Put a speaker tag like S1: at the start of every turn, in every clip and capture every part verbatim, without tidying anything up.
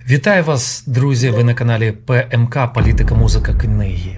S1: Вітаю вас, друзі! Ви на каналі ПМК «Політика, музика, книги».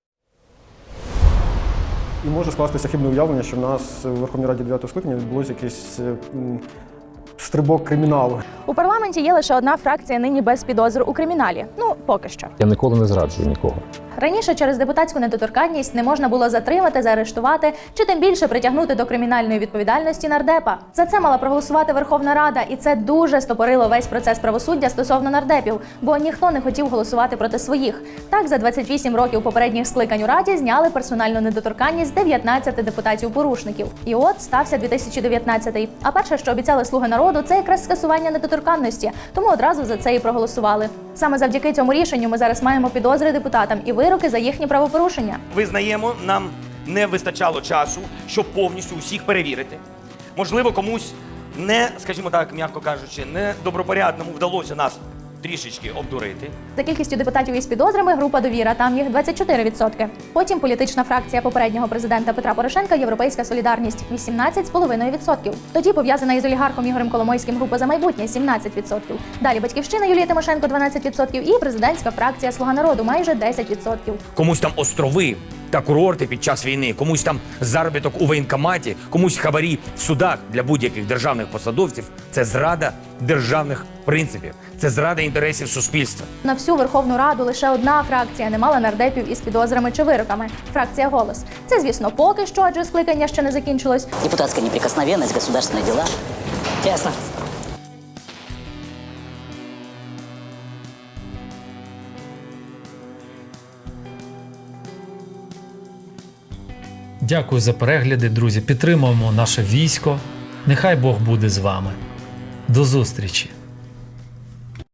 S2: І може скластися хибне уявлення, що в нас у Верховній Раді дев'ятого скликання відбулося якийсь м, стрибок криміналу.
S3: У парламенті є лише одна фракція нині без підозр у криміналі. Ну, поки що.
S4: Я ніколи не зраджую нікого.
S3: Раніше через депутатську недоторканність не можна було затримати, заарештувати чи тим більше притягнути до кримінальної відповідальності нардепа. За це мала проголосувати Верховна Рада, і це дуже стопорило весь процес правосуддя стосовно нардепів, бо ніхто не хотів голосувати проти своїх. Так, за двадцять вісім років попередніх скликань у Раді зняли персональну недоторканність з дев'ятнадцяти депутатів-порушників. І от стався дві тисячі дев'ятнадцятий. А перше, що обіцяли «Слуги народу», це якраз скасування недоторканності, тому одразу за це і проголосували. Саме завдяки цьому рішенню ми зараз маємо підозри депутатам і вироки за їхні правопорушення.
S5: Визнаємо, нам не вистачало часу, щоб повністю усіх перевірити. Можливо, комусь не, скажімо так, м'яко кажучи, не добропорядному вдалося нас трішечки обдурити.
S3: За кількістю депутатів із підозрами група «Довіра», там їх двадцять чотири відсотки. Потім політична фракція попереднього президента Петра Порошенка «Європейська солідарність» – вісімнадцять цілих п'ять десятих відсотка. Тоді пов'язана із олігархом Ігорем Коломойським група «За майбутнє» – сімнадцять відсотків. Далі «Батьківщина» Юлії Тимошенко – дванадцять відсотків і президентська фракція «Слуга народу» – майже десять відсотків.
S6: Комусь там острови та курорти під час війни, комусь там заробіток у воєнкоматі, комусь хабарі в судах для будь-яких державних посадовців – це зрада державних принципів, це зрада інтересів суспільства.
S3: На всю Верховну Раду лише одна фракція не мала нардепів із підозрами чи вироками – фракція «Голос». Це, звісно, поки що, адже скликання ще не закінчилось.
S7: Депутатская неприкосновенность, государственные дела. Ясно.
S1: Дякую за перегляди, друзі. Підтримуємо наше військо. Нехай Бог буде з вами. До зустрічі!